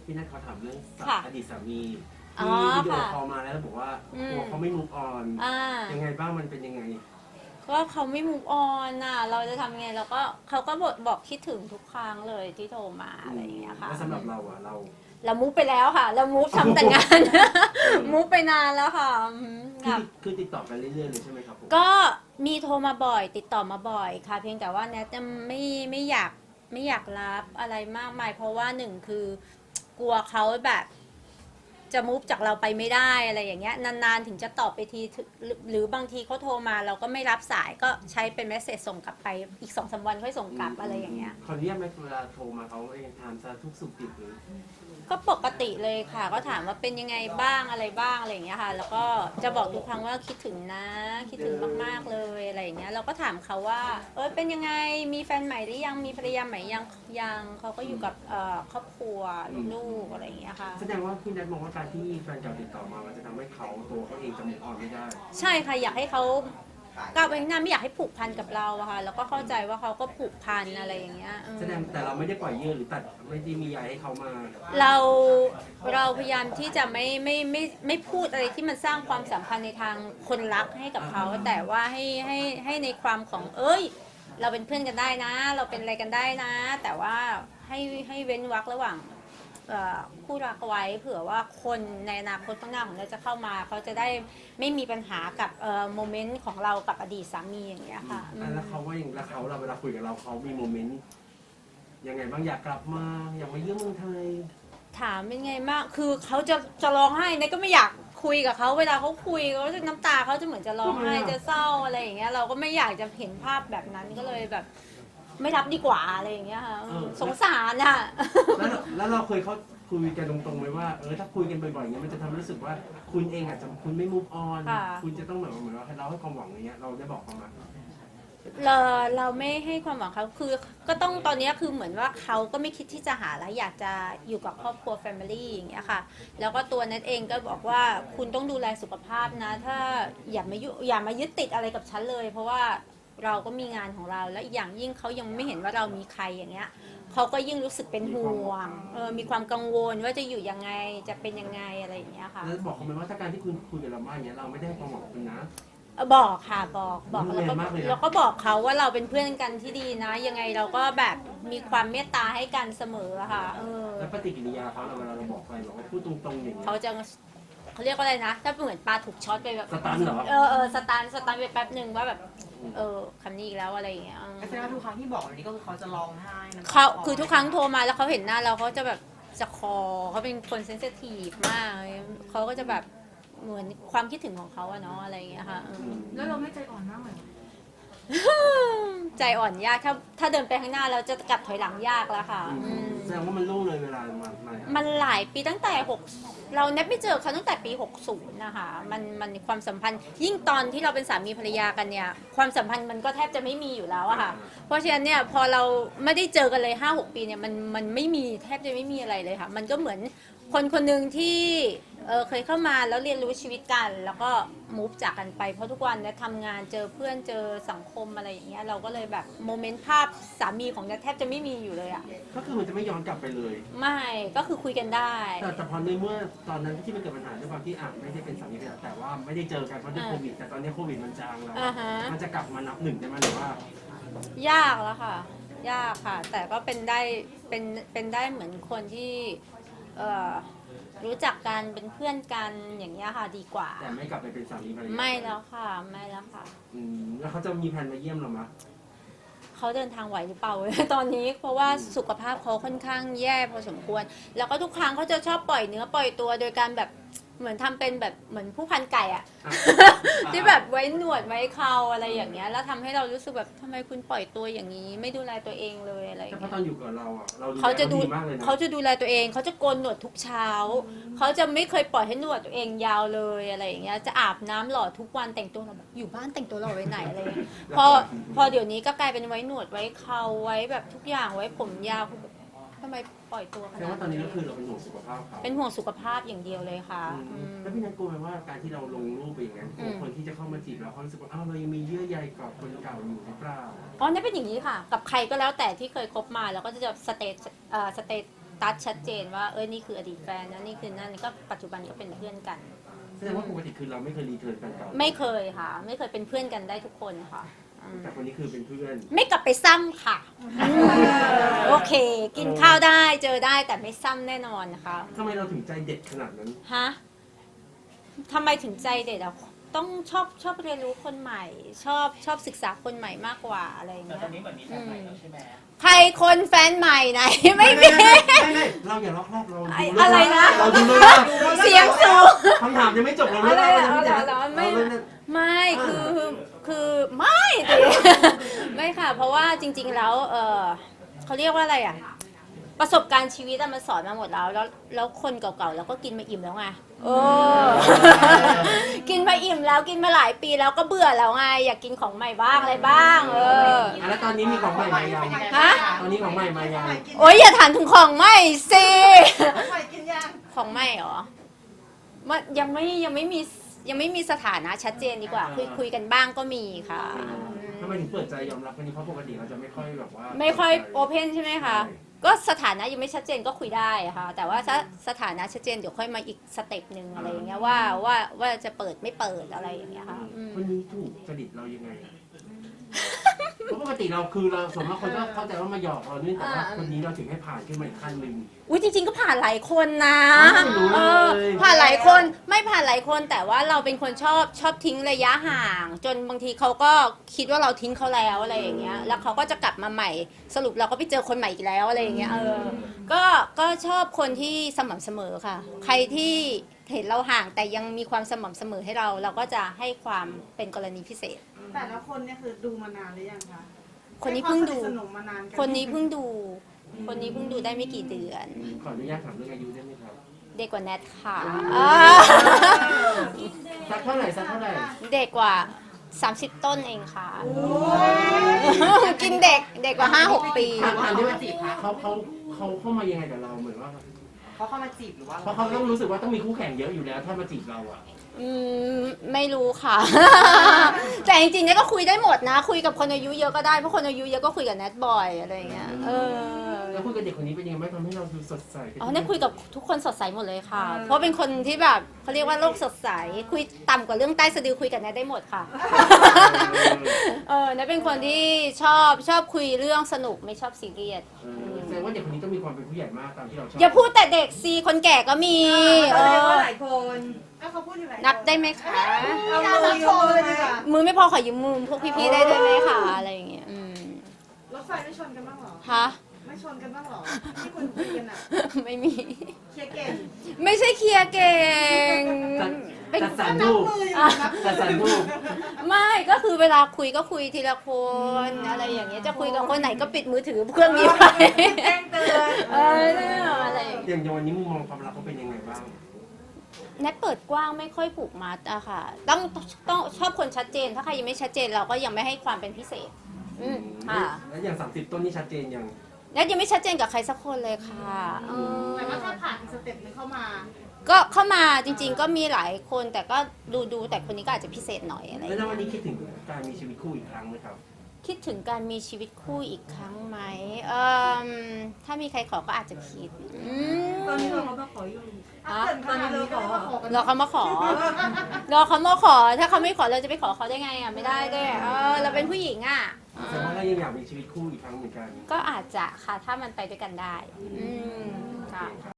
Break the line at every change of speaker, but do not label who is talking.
พี่นัทเขาถามเรื่อง
ค่ะ
อดีตสามี
อ๋อ
ที่วิดีโอ
ค่ะ
คอลมาแล้วบอกว่า
อืม
ตัวเขาไม่มูฟออน
อ่า
ยังไงบ้างมันเป็นยังไง
ก็เขาไม่ move on น่ะเราจะทำไงเราก็เขาก็บอกคิดถึงทุกครั้งเลยที่โทรมาอะไรอย่างเงี้ยค่ะ
แล้วสำหรับเราอะเรา
เรา move ไปแล้วค่ะ เรา move ทำแต่งงาน move ไปนานแล้วค่ะ
คือติดต่อกันเรื่อยๆเลยใช่ไหมครับผม
ก็มีโทรมาบ่อยติดต่อมาบ่อยค่ะเพียงแต่ว่าแนทจะไม่อยากรับอะไรมากมายเพราะว่าหนึ่งคือกลัวเขาแบบจะมุฟจากเราไปไม่ได้อะไรอย่างเงี้ยนานๆถึงจะตอบไปทีหรือบางทีเขาโทรมาเราก็ไม่รับสายก็ใช้เป็นเมสเซจส่งกลับไปอีก2-3 วันค่อยส่งกลับอะไรอย่างเงี้ย
ขออนุญาตไหมเวลาโทรมาเขาเองถามสารทุกข์สุขดิบหรือ
ก็ปกติเลยค่ะก็ถามว่าเป็นยังไงบ้างอะไรบ้างอะไรอย่างเงี้ยค่ะแล้วก็จะบอกทุกครั้งว่าคิดถึงนะคิดถึงมากๆเลยอะไรอย่างเงี้ยเราก็ถามเขาว่าเป็นยังไงมีแฟนใหม่หรือยังมีภรรยาใหม่ยังเขาก็อยู่กับครอบครัวลูกๆอะไรอย่างเงี้ยค่ะ
แสดงว่าพี่นัทมองว่าการที่แฟนเก่าติดต่อมามันจะทำให้เขาตัวเขาเองจะมูฟออนไม่ได้
ใช่ค่ะอยากให้เขาก้าวไปข้างหน้าไม่อยากให้ผูกพันกับเราอะค่ะแล้วก็เข้าใจว่าเขาก็ผูกพันอะไรอย่างเงี้ย
แสดงแต่เราไม่ได้ปล่อยเยื่อหรือตัดไม่ได้มีใยให้เขามา
เราพยายามที่จะไม่พูดอะไรที่มันสร้างความสัมพันธ์ในทางคนรักให้กับเขาแต่ว่าให้ในความของเราเป็นเพื่อนกันได้นะ เราเป็นอะไรกันได้นะ แต่ว่าให้เว้นวรรคระหว่างคู่รักไว้เผื่อว่าคนในอนาคตข้างหน้าของเราจะเข้ามาเขาจะได้ไม่มีปัญหากับโมเมนต์ของเรากับอดีตสามีอย่างเงี้ยค่ะ
แล้วเขาว่าอย่างแล้วเขาเราเวลาคุยกับเราเขามีโมเมนต์ยังไงบ้างอยากกลับมาอยากมาเยี่ยมเมืองไทย
ถามเป็นไงมากคือเขาจะร้องไห้เนี่ยก็ไม่อยากคุยกับเขาเวลาเขาคุยเขาจะน้ำตาเขาจะเหมือนจะร้องไห้จะเศร้าอะไรอย่างเงี้ยเราก็ไม่อยากจะเห็นภาพแบบนั้นก็เลยแบบไม่รับดีกว่าอะไรอย่างเงี้ยค่ะสงสารอ่ะ
แล้วเราเคยเขาคุยกันตรงๆไหมว่าถ้าคุยกันบ่อยๆอย่างเงี้ยมันจะทำให้รู้สึกว่าคุณเองอาจจะคุณไม่มูฟออนคุณจะต้องแบบเหมือนว่าเราให้ความหวังอย่างเงี้ยเราได้บอกเขามา
เราไม่ให้ความหวังเขาคือก็ต้องตอนนี้คือเหมือนว่าเขาก็ไม่คิดที่จะหาแล้วอยากจะอยู่กับครอบครัว Family อย่างเงี้ยค่ะแล้วก็ตัวนัทเองก็บอกว่าคุณต้องดูแลสุขภาพนะถ้าอย่ามายึดติดอะไรกับฉันเลย เพราะว่าเราก็มีงานของเราและอีกอย่างยิ่งเขายังไม่เห็นว่าเรามีใครอย่างเงี้ยเขาก็ยิ่งรู้สึกเป็นห่วงมีความกังวลว่าจะอยู่ยังไงจะเป็นยังไงอะไรอย่างเงี้ยค่ะ
แล้วบอกเขาไหมว่าถ้าการที่คุณคุยกับเรามากอย่างเงี้ยเราไม่ได้ให้ความหวังคุณนะ
บอกค่ะบอก
ดูแลมากเลยนะ
แล้วก็บอกเขาว่าเราเป็นเพื่อนกันที่ดีนะ ยังไงเราก็แบบมีความเมตตาให้กันเสมออะค่ะ
แล้วปฏิกิริยาเขาเวลาเราบอกไปบอกว่าพูดตรงๆอย่างเงี้ย
เขาจะเขาเรียกว่าอะไรนะ ถ้าเหมือนปลาถูกช็อตไปแบบ
สตันเหรอ
สตันไปแป๊บหนึ่งว่าแบบคำนี้อีกแล้วอะไรอย่างเงี้ย
แสดงว่าทุกครั้งที่บอกแบบนี้ก็คือเขาจะร้องไห้น้ำตา
เขา
คล
คือทุกครั้งโทรมาแล้วเขาเห็นหน้าเราเขาจะแบบจะคอเขาเป็นคนเซนซิทีฟมากเขาก็จะแบบเหมือนความคิดถึงของเขาอะเนาะอะไรอย่างเงี้ยค่ะ
แล้วเราไม่ใจอ่อนมากเหมือน
ใจอ่อนยากถ้าเดินไปข้างหน้าเราจะกลับถอยหลังยากแล้วค่ะ
แสดงว่ามันล่วงเลยเวลามา
มันหลายปีตั้งแต่เราเน็ตไม่เจอเขาตั้งแต่ปี60นะคะมันความสัมพันธ์ยิ่งตอนที่เราเป็นสามีภรรยากันเนี่ยความสัมพันธ์มันก็แทบจะไม่มีอยู่แล้วอะค่ะเพราะฉะนั้นเนี่ยพอเราไม่ได้เจอกันเลย5-6 ปีเนี่ยมันไม่มีแทบจะไม่มีอะไรเลยค่ะมันก็เหมือนคนคนหนึ่งที่เคยเข้ามาแล้วเรียนรู้ชีวิตกัน แล้วก็มูฟจากกันไปเพราะทุกวันเนี่ยทำงานเจอเพื่อนเจอสังคมอะไรอย่างเงี้ยเราก็เลยแบบโมเมนต์ภาพสามีของเนี่ยแทบจะไม่มีอยู่เลยอะ
ก็คือมันจะไม่ย้อนกลับไปเลย
ไม่ก็คือคุยกันได้
แต่พอในเมื่อตอนนั้นที่มันเกิดปัญหาด้วยความที่ไม่ได้เป็นสามีภรรยาแต่ว่าไม่ได้เจอกันเพราะด้วยโควิดแต่ตอนนี้โควิดมันจางแล้วมันจะกลับมานับหนึ่งได้ไหมหรือว่าย
ากแล้วค่ะ ยากค่ะ แต่ก็เป็นได้เหมือนคนที่รู้จักกันเป็นเพื่อนกันอย่างเงี้ยค่ะดีกว่า
แต่ไม่กลับไปเป็นสามีภรรยา
ไม่แล้วค่ะไม่แล้วค่ะ
แล้วเขาจะมีแผนมาเยี่ยมเราไหม
เขาเดินทางไหวหรือเปล่า ตอนนี้เพราะว่าสุขภาพเขาค่อนข้างแย่พอสมควร แล้วก็ทุกครั้งเขาจะชอบปล่อยเนื้อปล่อยตัวโดยการแบบเหมือนทำเป็นแบบเหมือนผู้พันไก่อะ ที่แบบไว้หนวดไว้เคราอะไรอย่างเงี้ยแล้วทำให้เรารู้สึกแบบทำไมคุณปล่อยตัวอย่างนี้ ไม่ดูแลตัวเองเลยอะไรอย่าง
แต่พอ
เงี้ย
ตอนอยู่กับเราเราดูแล
เขาจะ
ดีมากเลยนะ
เขาจะดูแลตัวเองเขาจะโกนหนวดทุกเช้าเขาจะไม่เคยปล่อยให้หนวดตัวเองยาวเลยอะไรอย่างเงี้ยจะอาบน้ำหล่อทุกวันแต่งตัวหล่อแบบอยู่บ้านแต่งตัวหล่อไว้ไหนอะไรเงี้ยพอเดี๋ยวนี้ก็กลายเป็นไว้หนวดไว้เคราไว้แบบทุกอย่างไว้ผมยาวคือแบบทำไมปล่อยตัวข
แสด
นาง ด
ว่าตอนนี้ก็คือเราเป็นห่วงสุขภาพเขา
เป็นห่วงสุขภาพอย่างเดียวเลยค่ะ
แล้วพี่นัทกลัวไหมว่าการที่เราลงรูปไปอย่างนั้นกลัวคนที่จะเข้ามาจีบเราเขารู้สึกว่าเรายังมีเยื่อใยกับคนเก่าอยู่หรือเปล่า
อ๋อนี่เป็นอย่างนี้ค่ะ กับใครก็แล้วแต่ที่เคยคบมาแล้วก็จะสเตตัดชัดเจนว่านี่คืออดีตแฟนนะนี่คือนั่นก็ปัจจุบันก็เป็นเพื่อนกัน
แสดงว่าปกติคือเราไม่เคยรีเทิร์นกันเก่า
ไม่เคยค่ะ ไม่เคยเป็นเพื่อนกันได้ทุกคนค่ะอืม
แต่คนนี้คือเป็นเพื่อน
ไม่กลับไปซ้ำค่ะโอเค กินข้าวได้เจอได้แต่ไม่ซ้ำแน่นอนนะคะ
ทำไมเราถึงใจเด็ดขนาดนั้น
ฮะทำไมถึงใจเด็ดอ่ะต้องชอบเรียนรู้คนใหม่ ชอบศึกษาคนใหม่มากกว่าอะไรอย่าง
แต่
เงี้ย
ตอนนี้เหมือนมีแฟนใหม่แล้วใช่ไหม
ใครคนแฟนใหม่ไหน ไม่มี
ไม่เราอย่าล็อกแรกเราดู
อะไรนะ
เราดูเลยว่า
เสียงสูง
คำถามยังไม่จบเรา
อะไร
เลิก
อะ
แล้ว
เหรอไม่
เราเลิก
ไม่คือไม่ดิ ไม่ค่ะ เพราะว่าจริง ๆ แล้วเขาเรียกว่าอะไรอ่ะ ประสบการณ์ชีวิตอะมันสอนมาหมดแล้วคนเก่าๆเราก็กินมาอิ่มแล้วไงกินมาอิ่มแล้วกินมาหลายปีแล้วก็เบื่อแล้วไงอยากกินของใหม่บ้างอะไรบ้าง
แล้วตอนนี้มีของใหม่มายัง
ฮะ
ตอนนี้ของใหม่มายัง
โอ๊ยอย่าถามถึงของใหม่สิ
ใครกินยัง
ของใหม่เหรอมันยังไม่มีสถานะชัดเจนดีกว่าคุยกันบ้างก็มีค่ะ
ทำไมถึงเปิดใจยอมรับวันนี้เพราะปกติเราจะไม่ค่อยแบบว่า
ไม่ค่อยโอเพนใช่ไหมคะก็สถานะยังไม่ชัดเจนก็คุยได้ค่ะแต่ว่าถ้าสถานะชัดเจนเดี๋ยวค่อยมาอีกสเต็ปหนึ่งอะไรอย่างเงี้ยว่าจะเปิดไม่เปิดอะไรอย่างเงี้ยค่ะอืม
คนนี้ถูกจริตเรายังไงเพราะปกติเราคือเราส่วนมากคนก็เข้าใจว่ามาหยอกเราเนี่ยแต่ว่าคนนี้เราถึงให้ผ่านขึ้นมาอีกขั้นหนึ่ง
อุ้ยจริงๆก็ผ่านหลายคนนะ
ไม่รู้เลย
ผ่านหลายคนไม่ผ่านหลายคนแต่ว่าเราเป็นคนชอบทิ้งระยะห่าง จนบางทีเขาก็คิดว่าเราทิ้งเขาแล้วอะไรอย่างเงี้ยแล้วเขาก็จะกลับมาใหม่สรุปเราก็ไปเจอคนใหม่อีกแล้วอะไรอย่างเงี้ยก็ชอบคนที่สม่ำเสมอค่ะ ใครที่เห็นเราห่างแต่ยังมีความสม่ำเสมอให้เราก็จะให้ความเป็นกรณีพิเศษ
แต่ละคนเนี่ยคือดูมานานหรือยังคะ
คนนี้เพิ่งดู
ให้ความสนิทสนมมานานกั
คนนี้เพิ่งดูได้ไม่กี่เดือน
ขออนุญาตถามเรื่องอายุได้ไหมครับ
เด็กกว่าแนทค่ะ
สักเท่าไหร่สักเท่าไหร่
เด็กกว่า 30 ต้นเองค่ะ กินเด็กกว่า 5-6 ปี
ถามที่ว่าเขาเข้ามายังไงกับเราเหมือนว่า
เขาเข้ามาจีบหรือว่า
เพราะเขาต้องรู้สึกว่าต้องมีคู่แข่งเยอะอยู่แล้วถ้ามาจีบเราอ่ะ
ไม่รู้ค่ะ แต่จริงๆเนี่ยก็คุยได้หมดนะ คุยกับคนอายุเยอะก็ได้ เพราะคนอายุเยอะก็คุยกับแนทบ่อยอะไรอย่างเงี้ย
แล้วคุยกับเด็กคนนี้เป็นยังไงบ้างทำให้เราดูสดใสขึ้น
อ๋อเนี่ยคุยกับทุกคนสดใสหมดเลยค่ะ เพราะเป็นคนที่แบบเขาเรียกว่าโลกสดใส คุยต่ำกว่าเรื่องใต้สะดือคุยกับแนทได้หมดค่ะ แนทเป็นคนที่ชอบคุยเรื่องสนุกไม่ชอบซีเรียส
แสดงว่าเด็กคนนี้ต้องมีความเป็นผู้ใหญ่มากตามที่เราชอบ
อย่าพูดแต่เด็กสิคนแก่ก็มี
แสดงว่าหลายคนก็เขาพูดอยู่หลายคน
นับได้ไหมคะ
เอามือโชว์เลยดีกว่า
มือไม่พอขอยืมมือพวกพี่ๆได้ด้วยไหมคะอะไรอย่างเงี้ย
รถไฟไม่ชนกันบ้างเหรอ
ฮะ
ไม่ชนกันบ้างเหรอ ที่คุณคุยกันอ่ะ
ไม่มี
เคลียร์เก่ง
ไม่ใช่เคลียร์เก่งเป็น
จัดสรร
นั
รู
บ
ป
มืออยู่นับ
จัดสรรรูป
ไม่ก็คือเวลาคุยก็คุยทีละคนอะไรอย่างเงี้ยจะคุยกับคนไหนก็ปิดมือถือเครื่องนี้ไป
แจ้งเตือน
อะไรอย่างเงี้ย
อย่างวันนี้มุมมองความรักเขาเป็นยังไงบ้าง
แนทเปิดกว้างไม่ค่อยผูกมัดอะค่ะต้องชอบคนชัดเจน ถ้าใครยังไม่ชัดเจนเราก็ยังไม่ให้ความเป็นพิเศษค่ะ
แล้วอย่าง30ต้นนี่ชัดเจนยัง
แนทยังไม่ชัดเจนกับใครสักคนเลยค่ะอืม
แต่ว่าถ้าผ่านอีกสเต็ปหนึงเข้ามา
ก็เข้ามาจริงๆก็มีหลายคนแต่ก็ดูแต่คนนี้ก็อาจจะพิเศษหน่อยอะไรอย่าง
แล้ว
เงี้ย
วันนี้คิดถึงการมีชีวิตคู่อีกครั้งไหมครับ
คิดถึงการมีชีวิตคู่อีกครั้งไหมถ้ามีใครขอก็อาจจะคิด
ตอนนี้เราก็ขออยู่
ถ้าเกิดขนาดนี้ก็ไม่มาขอกัน
รอเขามาขอ ถ้าเขาไม่ขอเราจะไปขอเขาได้ไงอ่ะไม่ได้ด้วยเราเป็นผู้หญิงอ่ะ
แสดงว่าเรายังอยากมีชีวิตคู่อีกครั้งเหมือนกัน
ก็อาจจะค่ะถ้ามันไปด้วยกันได้ค่ะ